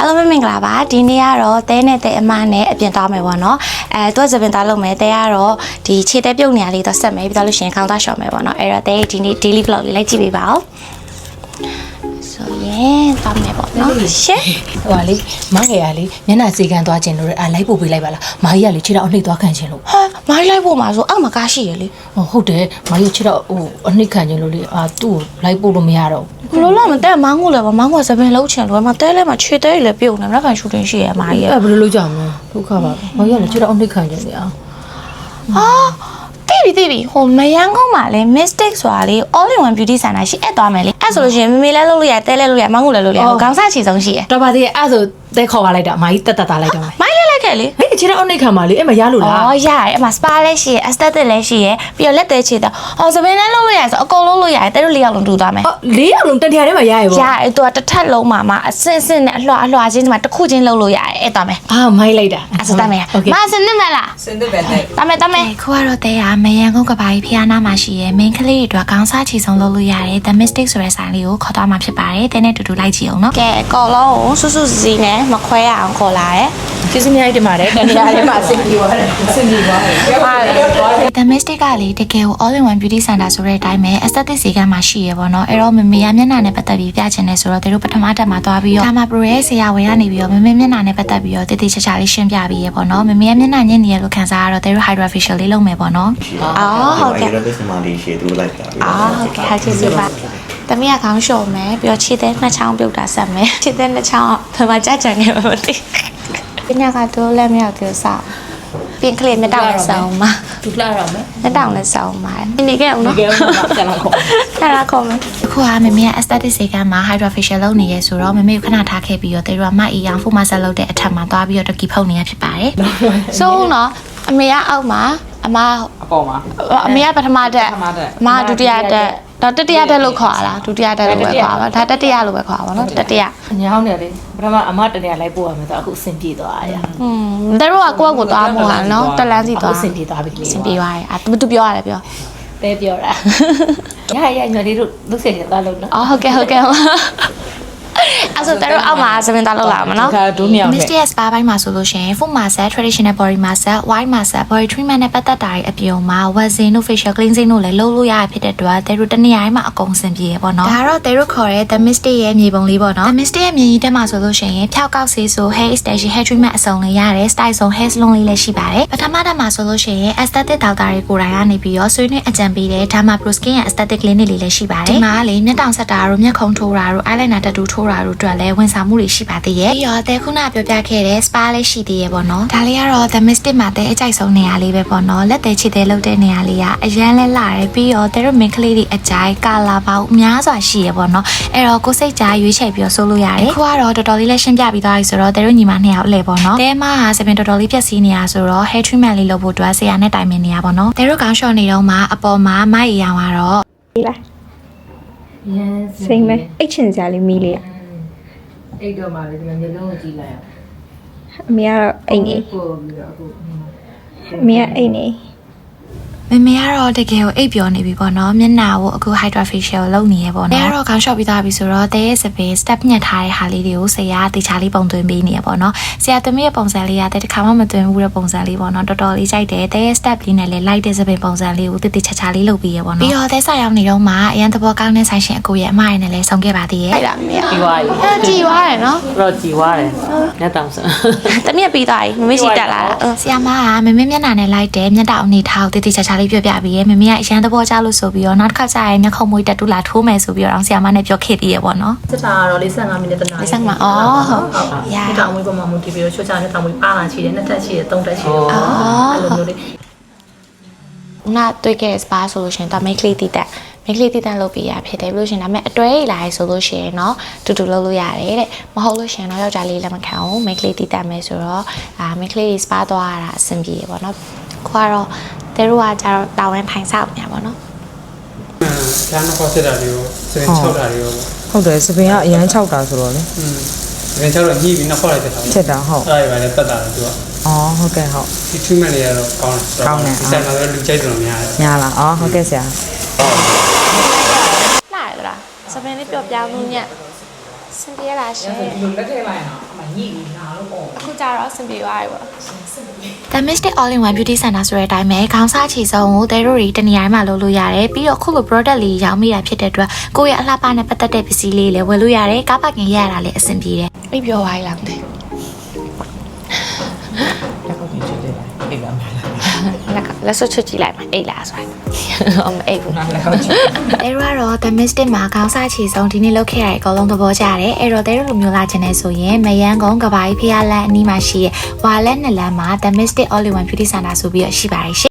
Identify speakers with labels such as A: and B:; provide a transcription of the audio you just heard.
A: အားလုံးပဲမင်္ဂလာပါဒီနေ့ကတော့တဲနဲ့တဲအမနဲ့အပြင်သွားမယ်ပေါ့နော်သူကစပင်သွားလုပ်မယ်တဲကတော့ဒီခြေတဲပြုတ်နေရလေးတော့ဆက်မယ်ပြီးတော့လို့ရှိရင်ခေါင်းသားရှော့မယ်ပေါ့နော်အဲ့တော့တဲဒီနေ့ daily vlog လေးလိုက်ကြည့်ပေးပါဦးဆိုရင်သွားမယ်ပေါ့နော်ရှင်း
B: ဟိုပါလေမငယ်ရလေမျက်နှာစေကန်သွားခြင်းလို့လိုက်ပို့ပေးလိုက်ပါလားမာကြီးကလေခြေတော့အနှိပ်သွားခံခြင်းလို့
A: ဟာမိုင်းလိုက်ဖို့မှာဆိုအောက်မှာကားရှိရလေ
B: ဟုတ်တယ်မာကြီးခြေတော့ဟိုအနှိပ်ခံခြင်းလို့လေသူ့ကိုလိုက်ပို့လို့မရတော့
A: ဘူးဘလို့လားမတဲမောင်းကိုလည်းမောင်းကစပင်လုံးချင်လို့မတဲလဲမှာခြေတဲလည်းပြုတ်နေမလားခံရှူတင်ရှိရမာကြီး
B: ဘယ်လိုလုပ်ကြမလဲဒုက္ခပါမာကြီးကလေခြေတော့အနှိပ်ခံခြင်းလေ
A: ဟာတိပြီဟိုမယန်းကုန်းမှာလေ mistake ဆိုတာလေ all in one beauty center ရှိအဲ့သွားမယ်လေအဲ့ဆိုလို့ရှိရင်မေမေလဲလုပ်လို့ရတဲလဲလုပ်ရမောင်းကိုလည်းလုပ်ရခေါင်းစားချီဆုံးရှိရ
B: တော်ပါသေးရဲ့အဲ့ဆိုတဲခေါ်ပါလိုက်တာမာကြီးတက်တက်သားလိုက်တော့
A: မိုင်းလဲလိုက်ခဲ့လေ
B: ဟဲ့ခြေတော့အနှိပ်ခံပါလေအဲ့မရလို့လား
A: ရတယ်အဲ့မှာ spa လည်းရှိရ aesthetic လည်းရှိရပြီးတော့လက်သေးချေတော့စပင်းလည်းလုပ်လို့ရဆိုအကုန်လုံးလုပ်ရတယ်တဲတို့၄ယောက်လုံးတူသွားမယ်
B: ၄ယောက်လုံးတတရားထဲမှာရရပေါ့
A: ရတယ်သူကတစ်ထပ်လုံးမှာအစင်စင်နဲ့အလွှာချင်းဒီမှာတစ်ခုချင်းလုပ်လို့ရတယ်အဲ့သွားမယ်
B: မိုင်းလိုက်တာ
A: အဲ့ဆိုတမယ်မစနစ်မလား
C: စနစ်ပဲတဲ့
A: တမယ်ခုကတော့တဲရမယန်ကုန်းကဘာကြီးဖျားနာမှာရှိရ main ကလေးတွေအတွက်ခေါင်းစားချီဆုံးလုပ်လို့ရတယ် the mystic ဆိုတဲ့ဆိုင်လေးကိုခေါ်သွားမှာဖြစ်ပါတယ်တဲနဲ့တူတူလိုက်ကြည့်အောင်နော်ကဲအကောလုံးကိုစွစွစီနဲ့မခွဲရအောင်ခေါ်လာတယ်
B: ကျေးဇူးများတင်ပါတယ်တနေရာလေးမှာစင်ပြေသွားတယ်စင်ပြေသွားတယ်
A: The Mystic ကလေတကယ်ကို all in one beauty center ဆိုတဲ့အတိုင်းပဲ aesthetic ဈေးကမှရှိရပေါ့နော်အဲ့တော့မမေရမျက်နှာနဲ့ပတ်သက်ပြီးပြချင်တယ်ဆိုတော့တို့ပထမတက်မှာသွားပြီးတော့ဒါမှ pro ရဲ့ဆရာဝန်ကနေပြီးတော့မမေမျက်နှာနဲ့ပတ်သက်ပြီးတော့တည်တည်ချာချာလေးရှင်းပြပြီးရပေါ့နော်မမေရမျက်နှာညစ်နေရလို့ခံစားရတော့တို့ hydra facial လေးလုပ်မယ်ပေါ့နော်ဟုတ်ကဲ့
C: ဒါလည်းစမလေးရှည်သူလိုက်တာ
A: ဟုတ်ကဲ့ဟုတ်ကဲ့ပါတမီးကခေါင်းလျှော်မယ်ပြီးတော့ခြေသေးနှစ်ချောင်းပြုတ်တာဆက်မယ်ခြေသေးနှစ်ချောင်းဘယ်မှာကြကြနေမှာမသိပညာကတော့လက်မြောက်သေးစားပြင်ကလေးမတောင်းနဲ့ဆောင်မှာ
B: ဒုက္ခတော့မယ်
A: မတောင်းနဲ့ဆောင်မှာနေခဲ့အောင်နော်
B: ကျန်လာခေါ်
A: မယ်အခုကမမေက aesthetic ဈေးကမှာ hydra facial လုပ်နေရဲဆိုတော့မမေကိုခဏထားခဲ့ပြီးတော့တေတို့ကမအီအောင် full mask လုပ်တဲ့အထက်မှာသွားပြီးတော့တကီဖုတ်နေရဖြစ်ပါတယ်ဆိုတော့အမေကအောက်မှာအမ
B: အပေါ်မှာ
A: အမေကပထမတက်အမဒုတိယတက်တော့တတိယတက်လို့ခေါ်ရလားဒုတိယတက်လို့ပဲခေါ်ပါဒါတတိယလို့ပဲခေါ်ပါတော့တတိယ
B: ညောင်းတယ်လေပထမအမတနေရာလိုက်ပို့ရမယ်ဆိုအခုအဆင်ပြေသွားရ
A: တို့ကကိုယ့်ကိုသွားမို့ဟာနော်တက်လန်းစီသွား
B: အဆင်ပြေသွားပြီ
A: အဆင်ပြေသွားတယ်သူပြောရတယ်ပြော
B: တဲပြောတာရညလေးတို့လုဆယ်နေတာလို့နော်
A: ဟုတ်ကဲ့အဲ့ဆိုတို့အောက်မှာစပင်သားလောက်လာမှာနော် Mystic Spa ဘိုင်းမှာဆိုလို့ရှိရင် full massage traditional body massage white massage body treatment နဲ့ပတ်သက်တာတွေအပြုံမှာ waxing တို့ facial cleansing တို့လည်းလုပ်လို့ရဖြစ်တဲ့အတွက်တို့တနေရာတိုင်းမှာအကုန်စင်ပြေရပေါ့နော်ဒါတော့တို့ခေါ်တဲ့ The Mystic ရဲ့မြေပုံလေးပေါ့နော် The Mystic ရဲ့မြေကြီးတက်မှာဆိုလို့ရှိရင်ဖြောက်ကောက်ဆေးဆို hair extension hair treatment အစုံလေးရတယ် style ဆုံး hair salon လေးလည်းရှိပါတယ်ပထမတက်မှာဆိုလို့ရှိရင် aesthetic doctor တွေကိုယ်တိုင်ကနေပြီးတော့ဆွေးနွေးအကြံပေးတဲ့ Derma Pro Skin ရဲ့ aesthetic clinic လေးလည်းရှိပါတယ်ဒီမှာလေမျက်တောင်ဆက်တာတို့မျက်ခုံးထိုးတာတို့ eyeliner tattoo ထိုးတာတို့အတွက်လည်းဝန်ဆောင်မှုတွေရှိပါသေးရဲ့ပြီးတော့တဲခုနပြောပြခဲ့တဲ့ spa လေးရှိသေးရဲ့ပေါ့နော်ဒါလေးကတော့ The Mystic မှာတဲ့အကြိုက်ဆုံးနေရာလေးပဲပေါ့နော်လက်သေးချစ်သေးလုပ်တဲ့နေရာလေးကအရန်လဲလာတယ်ပြီးတော့တဲတို့ main ကလေးတွေအကြိုက်ကာလာပေါင်းအများစွာရှိရဲ့ပေါ့နော်အဲ့တော့ကိုစိတ်ကြားရွေးချယ်ပြီးတော့ဆိုးလို့ရတယ်ခုကတော့တော်တော်လေးလက်ရှင်းပြပြီးသွားပြီဆိုတော့တဲတို့ညီမနှစ်ယောက်အလဲပေါ့နော်တဲမကစပင်တော်တော်လေးပြက်စီးနေရဆိုတော့ hair treatment လေးလုပ်ဖို့အတွက်ဆရာနဲ့တိုင်ပင်နေရပေါ့နော်တဲတို့ကောင်းရှော့နေတော့မှအပေါ်မှာမိုက်ရောင်ကတော့
D: ဒီလားစိမ့်မဲအိတ်ချင်စရာလေးမီးလေး
B: အိတ်တော့မှလည်းဒီမှာမျိုးလုံးကိုကြည့်လိုက်အောင်
D: အမေကတော့အိတ်နေ
B: ပို့ပြီးတော့အခု
D: အမေကအိတ်နေ
A: မမေကတော့တကယ်ကိုအိပ်ပျော်နေပြီပေါ့နော်မျက်နှာကိုအခု hydra facial လုပ်နေရပေါ့နော်အဲ့တော့ခေါင်းလျှော့ပြီးသားပြီဆိုတော့တဲရဲ့စပယ် step ညှက်ထားတဲ့ဟာလေးတွေကိုဆရာတေချာလေးပုံသွင်းပေးနေရပေါ့နော်ဆရာသမီးရဲ့ပုံစံလေးကတဲတစ်ခါမှမသွင်းဘူးတဲ့ပုံစံလေးပေါ့နော်တော်တော်လေးကြိုက်တယ်တဲရဲ့ step လေးနဲ့လည်း light တဲ့စပယ်ပုံစံလေးကိုတေချာချာလေးလုပ်ပေးရပေါ့နော်ပြီးတော့တဲဆိုင်ရောက်နေတော့မှအရန်သဘောကောင်းတဲ့ဆိုင်ရှင်အကိုရဲ့အမရဲ့နဲ့လည်းဆုံခဲ့ပါသေးရဲ့ဟုတ်လားမမေ
B: ကြည်သွားပြီ
A: ကြည်သွားတယ်နော်
B: တော့ကြည်သွားတယ်ညတောင်စ
A: တမီးပြီးသွားပြီမမေရှိတက်လာတာဆရာမကမမေမျက်နှာနဲ့ light တဲ့မျက်တောင်အနေထားကိုတေချာချာလေးပြောပြပေးရဲ့မမေကအရန်သဘောကျလို့ဆိုပြီးတော့နောက်တစ်ခါကျရင်မျက်ခုံးမွေးတက်တူလာထိုးမယ်ဆိုပြီးတော့ဆရာမနဲ့ပြောခဲ့သေးရပေါ့နော်
B: စစ်တာကတော့45မိနစ်တနာ
A: 45မိနစ်အော်ဟုတ်
B: ရတောင်မွေးပေါ်မှာမူတည်ပြီးတော့ချွတ်ချနဲ့တောင်မွေးပါလာချီတယ်နှစ်ထပ်ချီတယ်သုံးထပ်ချီတယ်အဲ့လိုမျိုးလေး
A: နာတွေ့ခဲ့ spa ဆိုလို့ရှိရင်တော့ make လေးတိတက်လုပ်ပေးရဖြစ်တယ်လို့ရှင်ဒါပေမဲ့အတွဲလာရဆိုလို့ရှိရင်တော့တူတူလုပ်လို့ရတယ်တဲ့မဟုတ်လို့ရှင်တော့ယောက်ျားလေးလည်းမခံဘူး make လေးတိတက်မယ်ဆိုတော့make လေး spa သွားရတာအဆင်ပြေပေါ့နော်ခွာတော့တဲတို့ကကြတော့တာဝန်ထိုင်ဆောက်နေပါတော့
C: ကျန်တော့ခေါ်စစ်တာတွေကိုစပင်6တာတွေကို
B: ဟုတ်တယ်စပင်ကအရန်6တာဆိုတော့လေ
C: စပင်6တော့ညှိပြီးနောက်ခေါ်လိုက်တဲ့
B: ချက်တာဟုတ်
C: အဲ့ဒါပဲလည်းပတ်တာတယ်သူက
B: ဟုတ်ကဲ့ဟုတ်
C: ဒီ treatment တွေကတော့ကောင်းတယ်ဒီဆိုင်မှာလည်းလူကြိုက်တယ်များတယ်
B: များလားဟုတ်ကဲ့ဆရာ
A: လာရလားစပင်လေးပျော့ပြောင်းလို့ညက်စစင်ပြေလားရှင်
E: ဒီလိုလက်ထည့်လိုက်အောင်အမညိပြီးနာလို့ပေါ့
A: အခုကြတော့စင်ပြေသွားပြီပေါ့ The Mystic All in One Beauty Center ဆိုတဲ့အတိုင်းပဲခေါင်းစားချီစုံကိုတဲတို့တွေတနေရာမှာလုပ်လို့ရတယ်ပြီးတော့ခုလို product လေးရောင်းမိတာဖြစ်တဲ့အတွက်ကိုယ့်ရဲ့အလှပနဲ့ပတ်သက်တဲ့ပစ္စည်းလေးလည်းဝယ်လို့ရတယ်ကားပါကင်ရရတာလည်းအဆင်ပြေတယ်အိပ်ပျော်သွားပြီလားမသိ
E: လက်ခုပ်ကြီးချစ်တယ်အိတ်လာမယ်
A: လက်စွပ်ချွတ်ကြည့်လိုက်မှာအိတ်လားဆိုတာမအိတ်ဘူး
E: နားလက်ခုပ်ကြီး
A: တဲတို့ကတော့ The Mystic မှာခေါင်းစားချီစုံဒီနေ့လုပ်ခဲ့ရတဲ့အကောင်လုံးသဘောကျတယ်အဲ့တော့တဲတို့လိုမျိုးလာချင်နေဆိုရင်မယန်းကုန်းကဘာကြီးဖျားလန်းအနီးမှာရှိရဲ့ဝါလက်နှစ်လမ်းမှာ The Mystic All in One Beauty Center ဆိုပြီးတော့ရှိပါတယ်